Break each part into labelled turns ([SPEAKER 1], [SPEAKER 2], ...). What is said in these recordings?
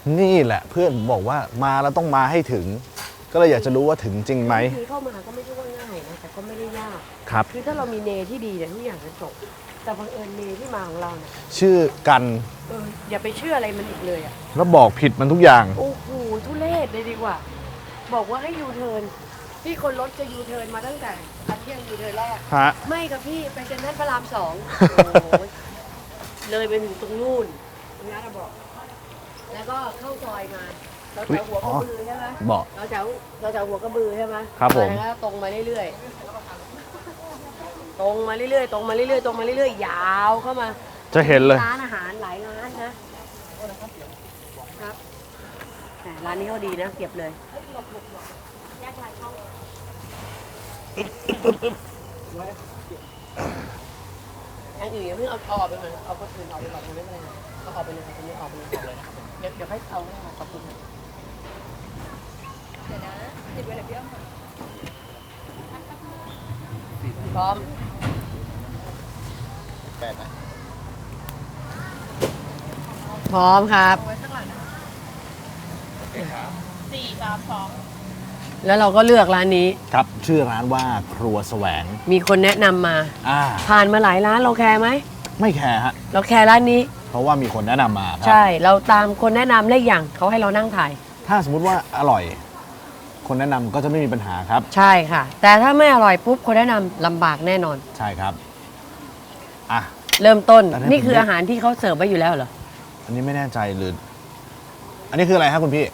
[SPEAKER 1] นี่แหละเพื่อนบอกว่ามาแล้วต้องมาให้ถึง ก็เลยอยากจะรู้ว่าถึงจริงไหม
[SPEAKER 2] คือเข้ามาก็ไม่ใช่ว่าง่ายนะแต่ก็ไม่ได้ยาก
[SPEAKER 1] ครับ
[SPEAKER 2] คือถ้าเรามีเนที่ดีเนี่ยทุกอย่างจะจบแต่บังเอิญเนที่มาของเราเนี่ย
[SPEAKER 1] ชื่อกัน
[SPEAKER 2] อย่าไปเชื่ออะไรมันอีกเลยอ่ะ
[SPEAKER 1] แล้วบอกผิดมันทุกอย่าง
[SPEAKER 2] โอ้โหทุเรศเลยดีกว่า บอกว่าให้ยูเทิร์นพี่คนรถจะยูเทิร์นมาตั้งแต่อาเที่ยงยูเทิร์นแรก
[SPEAKER 1] ฮะ
[SPEAKER 2] ไม่กับพี่ไปเซ็นทรัลพระราม2 โอ้โหเลยไปถึงตรงนู่นตรงนั้นอะบอก แล้วก็เข้าซอยมาเราแถวหัวกระบือใช่ไหม
[SPEAKER 1] บอก
[SPEAKER 2] เราแถวหัวกระบือใช่ไหม
[SPEAKER 1] ครับผม
[SPEAKER 2] แล้วก็ตรงมาเรื่อยๆตรงมาเรื่อยๆตรงมาเรื่อยๆตรงมาเรื่อยๆยาวเข้ามา
[SPEAKER 1] จะเห็นเลย
[SPEAKER 2] ร้านอาหารหลายร้านนะครับแต่ร้านนี้เขาดีนะเก็บเลยอันอื่นอย่าเพิ่งเอาออกไปก่อนเอาคนอื่นออกไปก่อนไม่เป็นไรเอาออกไปเลยคนนี้ออกไปเลยเดี๋ยวให้เอาให้ขอบคุณเดี๋ยวนะติดไว้เลยพี่อ้อมพร้อมพร้อมครับแล้วเราก็เลือกร้านนี้
[SPEAKER 1] ครับชื่อร้านว่าครัวแสวง
[SPEAKER 2] มีคนแนะนำมา ผ่านมาหลายร้านเราแคร์ไหม
[SPEAKER 1] ไม่แคร์ฮะ
[SPEAKER 2] เราแคร์ร้านนี้
[SPEAKER 1] เพราะว่ามีคนแนะนำมาครับ
[SPEAKER 2] ใช่ เราตามคนแนะนำเลขอย่างเขาให้เรานั่งถ่าย
[SPEAKER 1] ถ้าสมมุติว่าอร่อย คนแนะนำก็จะไม่มีปัญหาครับ
[SPEAKER 2] ใช่ค่ะ แต่ถ้าไม่อร่อยปุ๊บคนแนะนำลำบากแน่นอน
[SPEAKER 1] ใช่ครับอ่ะ
[SPEAKER 2] เริ่มต้น
[SPEAKER 1] แต่ถ้า
[SPEAKER 2] นี่คือ
[SPEAKER 1] ผม
[SPEAKER 2] อาหารที่เขาเสิร์ฟไว้อยู่แล้วเหรอ
[SPEAKER 1] อันนี้ไม่แน่ใจหรือ อันนี้คืออะไรครับคุณพี่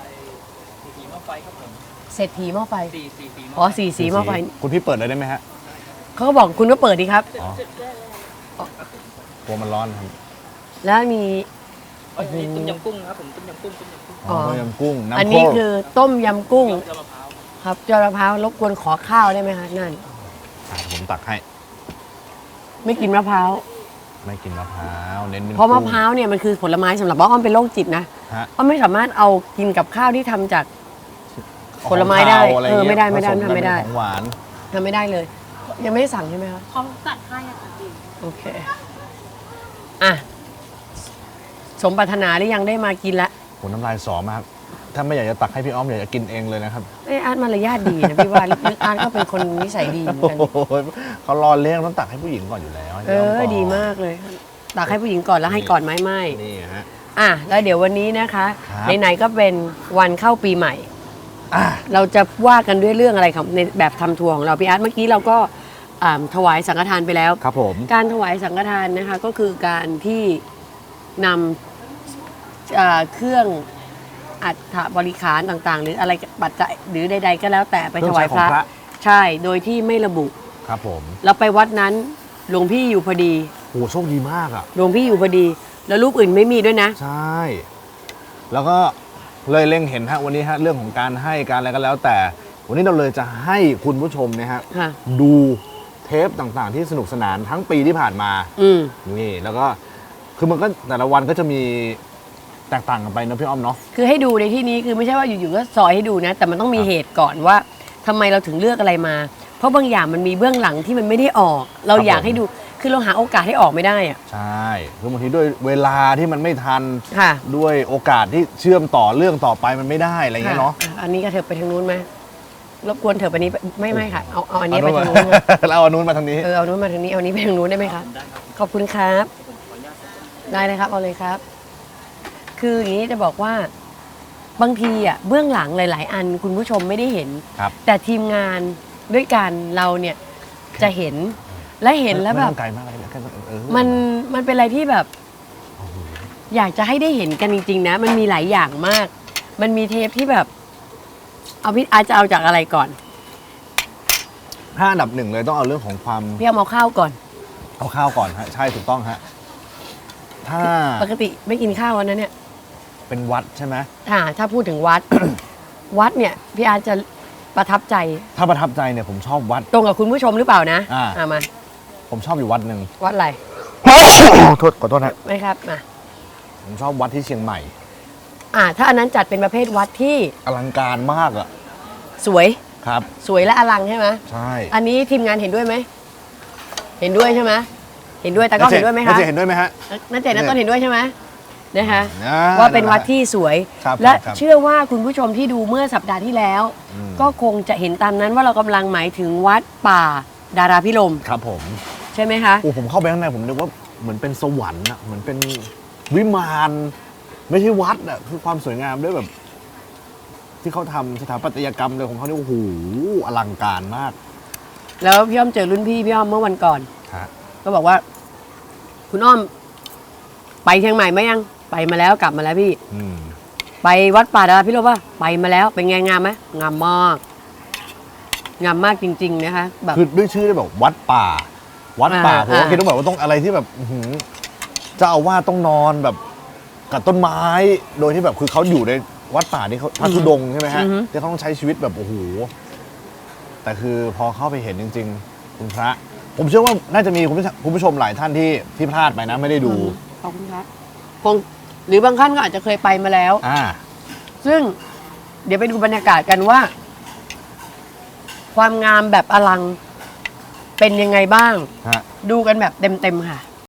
[SPEAKER 2] เศรษฐีหม้อไฟอ๋อสี่สีหม้อไฟ
[SPEAKER 1] คุณพี่เปิดเลยได้ไหมฮะ
[SPEAKER 2] เขาก็บอกคุณก็เปิดดีครับ
[SPEAKER 1] อ๋อ กลัวมันร้อนครับ
[SPEAKER 2] แล้วมี
[SPEAKER 3] อันนี้ต้มยำกุ้งครับผมต้มยำกุ้ง
[SPEAKER 1] อ๋อต้มยำกุ้งน้ำ
[SPEAKER 2] อันนี้
[SPEAKER 1] ข้น
[SPEAKER 2] คือต้มยำกุ้ง
[SPEAKER 3] ยำมะพร้าว
[SPEAKER 2] ครับยอดมะพร้าวรบกวนขอข้าวได้ไหมคะนั่น
[SPEAKER 1] ผมตักให้
[SPEAKER 2] ไม่กินมะพร้าว
[SPEAKER 1] ไม่กินมะพร้าวเน้นเป็น
[SPEAKER 2] เพราะมะ
[SPEAKER 1] กุ้ง
[SPEAKER 2] พร้าวเนี่ยมันคือผลไม้สำหรับอ้อมเป็นโรคจิตนะ
[SPEAKER 1] ฮะ
[SPEAKER 2] อ้อมไม่สามารถเอากินกับข้าวที่ทำจาก ผลไม้ได้
[SPEAKER 1] ของคาวอะรงี้ย
[SPEAKER 2] ไม่ได้
[SPEAKER 1] ผสกัน
[SPEAKER 2] ทำไม่ได้
[SPEAKER 1] เป็นของหวาน
[SPEAKER 2] ทำไม่ได้เลย ยังไม่ได้สั่งใช่ไหมคะ
[SPEAKER 4] เขาจัดให้อะค่ะพี่
[SPEAKER 2] โอเคอ่ะสมปรารถนาหรือยังได้มากินละ
[SPEAKER 1] โหน้ำลายสอมากถ้าไม่อยากจะตักให้พี่อ้อมอยากจะกินเองเลยนะครับ
[SPEAKER 2] ไอยอาร์ตมารยาทดีนะพี่ว่าลึกๆอาร์ตก็เป็นคนนิสัยดีเหมือนกัน
[SPEAKER 1] โอ้โหเขารอเลี้ยงต้องตักให้ผู้หญิงก่อนอยู่แล้วให้
[SPEAKER 2] เอ
[SPEAKER 1] พี่มก่
[SPEAKER 2] อน ดีมากเลยตักให้ผู้หญิงก่อนแล้วให้ก่อนไหมไม่
[SPEAKER 1] นี่ฮะ
[SPEAKER 2] อ่ะแล้วเดี๋ยววันนี้นะคะ
[SPEAKER 1] ครับ
[SPEAKER 2] ไหนๆก็เป็นวันเข้าปีใหม่
[SPEAKER 1] อ่ะ
[SPEAKER 2] เราจะว่ากันด้วยเรื่องอะไรครับในแบบทำทัวร์ของเราพี่อาร์ตเมื่อกี้เราก็ถวายสังฆทานไปแล้ว
[SPEAKER 1] ครับผม
[SPEAKER 2] การถวายสังฆทานนะคะก็คือการที่นำเครื่องอัฐบริขารต่างๆ หรืออะไรปัจจัยหรือใด ๆ ก็แล้วแต่ไปถวายพระ ใช่โดยที่ไม่ระบุ
[SPEAKER 1] ครับผม
[SPEAKER 2] เราไปวัดนั้นหลวงพี่อยู่พอดี
[SPEAKER 1] โหโชคดีมากอ่ะ
[SPEAKER 2] หลวงพี่อยู่พอดี แล้วรูปอื่นไม่มีด้วยนะ
[SPEAKER 1] ใช่ แล้วก็เลยเล็งเห็นฮะวันนี้ฮะเรื่องของการให้การอะไรก็แล้วแต่ วันนี้เราเลยจะให้คุณผู้ชมนะฮะ
[SPEAKER 2] ค่ะ
[SPEAKER 1] ดูเทปต่างๆ ที่สนุกสนานทั้งปีที่ผ่านมา
[SPEAKER 2] อืม
[SPEAKER 1] นี่แล้วก็คือมันก็แต่ละวันก็จะมีแตกต่างกันไปนะพี่อ้อมเนาะ
[SPEAKER 2] คือให้ดูในที่นี้คือไม่ใช่ว่าอยู่ๆก็ซอยให้ดูนะ แต่มันต้องมี
[SPEAKER 1] ครับ
[SPEAKER 2] เหตุก่อนว่าทำไมเราถึงเลือกอะไรมา เพราะบางอย่างมันมีเบื้องหลังที่มันไม่ได้ออก เรา
[SPEAKER 1] ครับ
[SPEAKER 2] อยาก
[SPEAKER 1] ผม
[SPEAKER 2] ให้ดูคือเราหาโอกาสให้ออกไม่ได้อะ
[SPEAKER 1] ใช่คือบางทีด้วยเวลาที่มันไม่ทัน
[SPEAKER 2] ค่ะ
[SPEAKER 1] ด้วยโอกาสที่เชื่อมต่อเรื่องต่อไปมันไม่ได้อะไรเงี้ยเนาะ
[SPEAKER 2] ค่อันนี้ก็เถอะไปทางนู้นไหมรบกวนเถอะไปนี้ไม่ค่ะเอาอันนี้ไปทางนู้น
[SPEAKER 1] เราเอานู้นมาทางนี้
[SPEAKER 2] เอานู้นมาทางนี้เอานี้ไปทางนู้นได้ไหมคะขอบคุณครับได้เลยครับเอาเลยครับ คืออย่างนี้จะบอกว่าบางทีอ่ะเบื้องหลังหลาย ๆ อันคุณผู้ชมไม่ได้เห็น
[SPEAKER 1] ครับ
[SPEAKER 2] แต่ทีมงานด้วยกันเราเนี่ยจะเห็นและเห็นแล้วแบบ
[SPEAKER 1] ไม่ต้องไกลมากเลยแค่เออ
[SPEAKER 2] มันเป็นอะไรที่แบบ อยากจะให้ได้เห็นกันจริง ๆ นะ มันมีหลายอย่างมาก มันมีเทปที่แบบ เอาพี่อาจจะเอาจากอะไรก่อน
[SPEAKER 1] ถ้าอันดับหนึ่งเลยต้องเอาเรื่องของความ
[SPEAKER 2] พี่เอาข้าวก่อน
[SPEAKER 1] เอาข้าวก่อนฮะใช่ถูกต้องฮะถ้า
[SPEAKER 2] ปกติไม่กินข้าววันนั้นเนี่ย
[SPEAKER 1] เป็นวัดใช่ไหม
[SPEAKER 2] ถ้าพูดถึงวัด วัดเนี่ยพี่อาจจะประทับใจ
[SPEAKER 1] ถ้าประทับใจเนี่ยผมชอบวัด
[SPEAKER 2] ตรงกับคุณผู้ชมหรือเปล่านะ มา
[SPEAKER 1] ผมชอบอยู่วัดหนึ่ง
[SPEAKER 2] วัดอะไร
[SPEAKER 1] โทษขอโทษนะ
[SPEAKER 2] ไม่ครับมา
[SPEAKER 1] ผมชอบวัดที่เชียงใหม่
[SPEAKER 2] ถ้าอันนั้นจัดเป็นประเภทวัดที่
[SPEAKER 1] อลังการมากอ่ะ
[SPEAKER 2] สวย
[SPEAKER 1] ครับ
[SPEAKER 2] สวยและอลังใช่ไหม
[SPEAKER 1] ใช่
[SPEAKER 2] อันนี้ทีมงานเห็นด้วยไหมเห็นด้วยใช่ไหมเห็นด้วยแต่ก็เห็นด้วยไหมคะ
[SPEAKER 1] เจเห็นด้วยไหมฮะ
[SPEAKER 2] นัเจตนัต้นเห็นด้วยใช่ไหมนะคะ
[SPEAKER 1] อ่
[SPEAKER 2] ว่าเป็นวัดที่สวย
[SPEAKER 1] ครับ
[SPEAKER 2] และ
[SPEAKER 1] ครับ
[SPEAKER 2] เชื่อว่าคุณผู้ชมที่ดูเมื่อสัปดาห์ที่แล้ว
[SPEAKER 1] อืม
[SPEAKER 2] ก็คงจะเห็นตามนั้นว่าเรากำลังหมายถึงวัดป่าดาราพิรมย์
[SPEAKER 1] ครับผม
[SPEAKER 2] ใช่ไหมคะ
[SPEAKER 1] โอ้ผมเข้าไปข้างในผมนึกว่าเหมือนเป็นสวรรค์อะเหมือนเป็นวิมานไม่ใช่วัดอะคือความสวยงามด้วยแบบ ที่เขาทำสถาปัตยกรรมเลยของเขาเนี่ยโอ้โหอลังการมาก
[SPEAKER 2] แล้วพี่อ้อมเจอรุ่นพี่อ้อมเมื่อวันก่อน
[SPEAKER 1] ฮะ
[SPEAKER 2] ก็บอกว่า คุณอ้อม ไปเชียงใหม่ไหมยังไปมาแล้วกลับมาแล้วพี่
[SPEAKER 1] อืม
[SPEAKER 2] ไปวัดป่าดาราพิรมย์ป่ะไปมาแล้วเป็นไงงามไหมงามมากงามมากจริง ๆ นะคะ แบบ
[SPEAKER 1] คือด้วยชื่อได้แบบวัดป่า วัดป่าผมก็
[SPEAKER 2] อ่า
[SPEAKER 1] คิดว่าแบบว่าต้องอะไรที่แบบอื้อหือเจ้าอาวาสต้องนอนแบบกับต้นไม้ โดยที่แบบคือเขาอยู่ในวัดป่าที่เขาพระธุดงค์ใช่ไหมฮะที่เขาต้องใช้ชีวิตแบบโอ้โหแต่คือพอเข้าไปเห็นจริง ๆ คุณพระ ผมเชื่อว่าน่าจะมีคุณผู้ชมหลายท่านที่พลาดไปนะไม่ได้ดู
[SPEAKER 2] ขอบคุณครับคงหรือบางท่านก็อาจจะเคยไปมาแล้ว
[SPEAKER 1] อ่า
[SPEAKER 2] ซึ่งเดี๋ยวไปดูบรรยากาศกันว่า ความงามแบบอลังเป็นยังไงบ้าง
[SPEAKER 1] ฮะ
[SPEAKER 2] ดูกันแบบเต็มๆค่ะ